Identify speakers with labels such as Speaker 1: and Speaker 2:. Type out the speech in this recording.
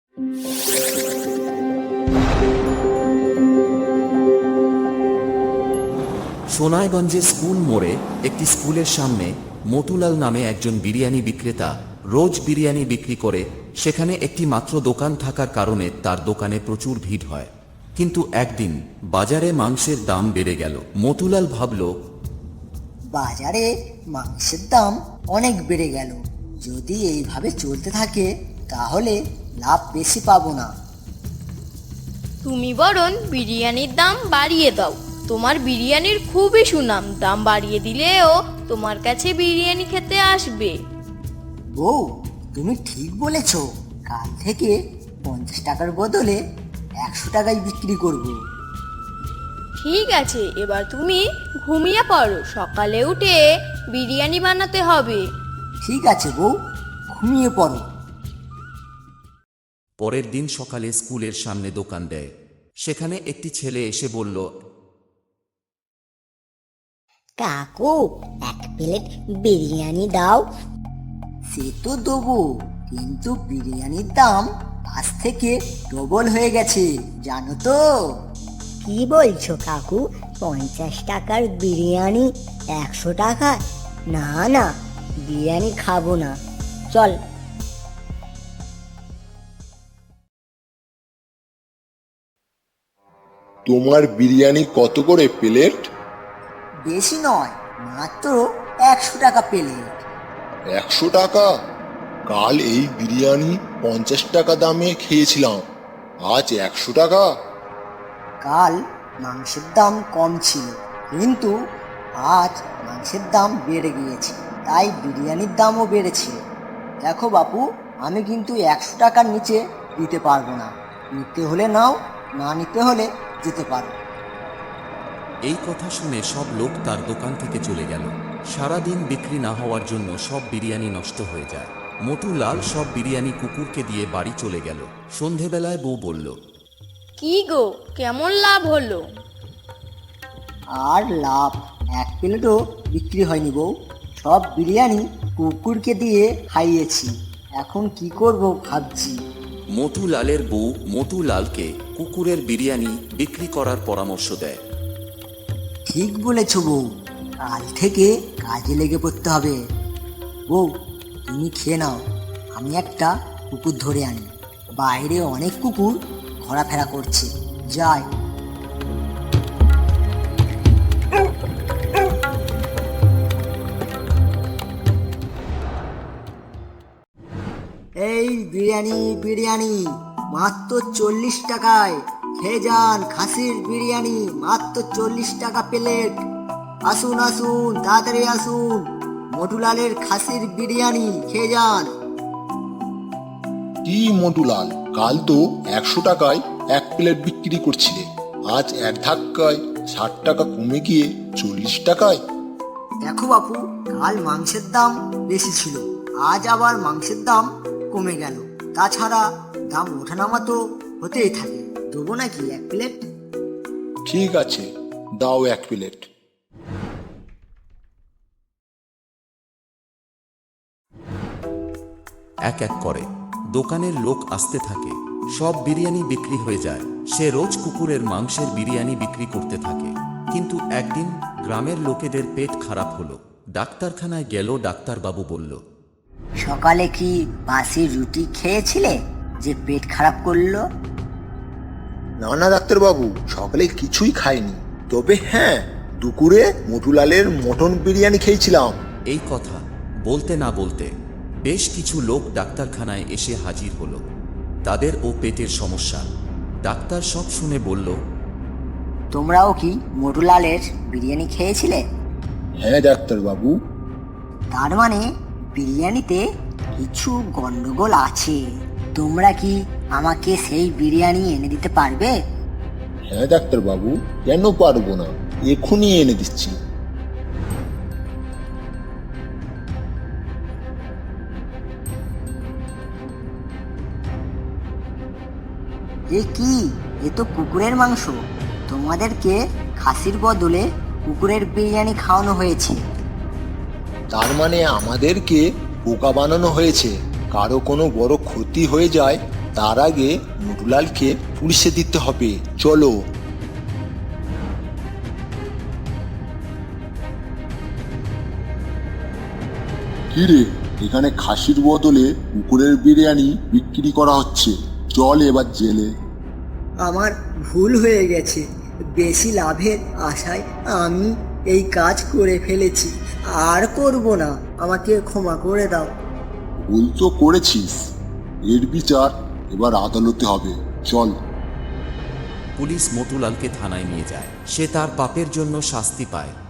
Speaker 1: সোনাইগঞ্জে school মোড়ে একটি স্কুলের সামনে মতুলাল নামে একজন বিরিয়ানি বিক্রেতা রোজ বিরিয়ানি বিক্রি করে। সেখানে একটি মাত্র দোকান থাকার কারণে তার দোকানে প্রচুর ভিড় হয়। কিন্তু একদিন বাজারে মাংসের দাম বেড়ে গেল। মতুলাল ভাবল,
Speaker 2: বাজারে মাংসের দাম অনেক বেড়ে গেল। যদি এইভাবে চলতে থাকে তাহলে লাভ বেশি পাবো না।
Speaker 3: তুমি বরং বিরিয়ানির দাম বাড়িয়ে দাও। তোমার বিরিয়ানির খুবই সুনাম, দাম বাড়িয়ে দিলেও তোমার কাছে বিরিয়ানি খেতে আসবে।
Speaker 2: বউ, তুমি ঠিক বলেছ। কাল থেকে 50 টাকার বদলে 100 টাকায় বিক্রি করব।
Speaker 3: ঠিক আছে, এবার তুমি ঘুমিয়ে পড়ো, সকালে উঠে বিরিয়ানি বানাতে হবে।
Speaker 2: ঠিক আছে বউ, ঘুমিয়ে পড়ো।
Speaker 1: পরের দিন সকালে স্কুলের সামনে দোকান দেয়। সেখানে একটি ছেলে এসে বলল,
Speaker 4: কাকু, 1 প্লেট বিরিয়ানি দাও।
Speaker 2: সে তো দেবো, কিন্তু বিরিয়ানির দাম আজ থেকে ডবল হয়ে গেছে, জানো তো?
Speaker 4: কি বলছো কাকু? 50 টাকার বিরিয়ানি 100 টাকা? না না, বিরিয়ানি খাবো না, চল।
Speaker 5: তোমার বিরিয়ানি কত করে প্লেট?
Speaker 2: বেশি নয়, মাত্র 100 টাকা প্লেট।
Speaker 5: 100 টাকা? কাল এই বিরিয়ানি 50 টাকা দামে খেয়েছিলাম, আজ 100 টাকা?
Speaker 2: কাল মাংসের দাম কম ছিল, কিন্তু আজ মাংসের দাম বেড়ে গিয়েছে, তাই বিরিয়ানির দামও বেড়েছে। দেখো বাপু, আমি কিন্তু 100 টাকার নিচে দিতে পারবো না। নিতে হলে নাও, না নিতে হলে যেতে পারো।
Speaker 1: এই কথা শুনে সব লোক তার দোকান থেকে চলে গেল। সারাদিন বিক্রি না হওয়ার জন্য সব বিরিয়ানি নষ্ট হয়ে যায়। মতুলাল সব বিরিয়ানি কুকুরকে দিয়ে বাড়ি চলে গেল। সন্ধেবেলায় বউ বলল,
Speaker 3: কি গো, কেমন লাভ হলো?
Speaker 2: আর লাভ 1 প্লেটও বিক্রি হয়নি বউ। সব বিরিয়ানি কুকুরকে দিয়ে খাইয়েছি, এখন কি করব ভাবছি।
Speaker 1: মতুলালের বউ মতুলালকে কুকুরের বিরিয়ানি বিক্রি করার পরামর্শ দেয়।
Speaker 2: ঠিক বলেছ বউ, কাল থেকে কাজে লেগে পড়তে হবে। বউ, তুমি খেয়ে নাও, আমি একটা কুকুর ধরে আনি। বাইরে অনেক কুকুর ঘোরাফেরা করছে, যাই। এই বিরিয়ানি বিরিয়ানি মাত্র 40 টাকায়, খেয়ে যান। খাসির বিরিয়ানি মাত্র 40 টাকা প্লেট। আসুন আসুন, তাড়াতাড়ি আসুন, মটুলালের খাসির বিরিয়ানি খেয়ে যান।
Speaker 5: কি মটুলাল, কাল তো 100 টাকায় 1 প্লেট বিক্রি করছিলে, আজ এক ধাক্কায় 60 টাকা কমে গিয়ে 40 টাকায়?
Speaker 2: দেখো বাপু, কাল মাংসের দাম বেশি ছিল, আজ আবার মাংসের দাম কমে গেল। তাছাড়া দাম ওঠানামা তো হতেই থাকে। দেবো নাকি 1 প্লেট?
Speaker 5: ঠিক আছে, দাও 1 প্লেট।
Speaker 1: এক এক করে দোকানের লোক আসতে থাকে। সব বিরিয়ানি বিক্রি হয়ে যায়। সে রোজ কুকুরের মাংসের বিরিয়ানি বিক্রি করতে থাকে। কিন্তু একদিন গ্রামের লোকেদের পেট খারাপ হলো। ডাক্তারখানায় গেল। ডাক্তারবাবু বলল,
Speaker 2: সকালে কি বাসি রুটি খেয়েছিলে যে পেট খারাপ করলো?
Speaker 5: না না ডাক্তারবাবু, সকালে কিছুই খাইনি, তবে হ্যাঁ, দুপুরে মটুলালের মটন বিরিয়ানি খেয়েছিলাম।
Speaker 1: এই কথা বলতে না বলতে বেশ কিছু লোক ডাক্তারখানায় এসে হাজির হলো। তাদের ও পেটের সমস্যা। ডাক্তার সব শুনে বলল,
Speaker 2: তোমরাও কি মটুলালের বিরিয়ানি খেয়েছিলে?
Speaker 5: হ্যাঁ ডাক্তারবাবু।
Speaker 2: তার মানে বিরিয়ানিতে কিছু গন্ডগোল আছে। তোমরা কি আমাকে সেই বিরিয়ানি এনে দিতে পারবে?
Speaker 5: হ্যাঁ ডাক্তারবাবু, কেন পারবো না, এক্ষুনি এনে দিচ্ছি।
Speaker 2: এ কি, এ তো কুকুরের মাংস। তোমাদেরকে খাসির বদলে কুকুরের বিরিয়ানি খাওয়ানো হয়েছে।
Speaker 5: তার মানে আমাদেরকে বোকা বানানো হয়েছে। কারো কোনো বড় ক্ষতি হয়ে যায় তার আগে মটুলালকে পুলিশে দিতে হবে, চলো। কিরে, এখানে খাসির বদলে কুকুরের বিরিয়ানি বিক্রি করা হচ্ছে, চল এবার জেলে।
Speaker 2: আমার ভুল হয়ে গেছে, বেশি লাভের আশায় আমি এই কাজ করে ফেলেছি, আর করব না, আমাকে ক্ষমা করে দাও।
Speaker 5: ভুল তো করেছিস, এর বিচার এবার আদালতে হবে, চল।
Speaker 1: পুলিশ মতুলালকে থানায় নিয়ে যায়। সে তার পাপের জন্য শাস্তি পায়।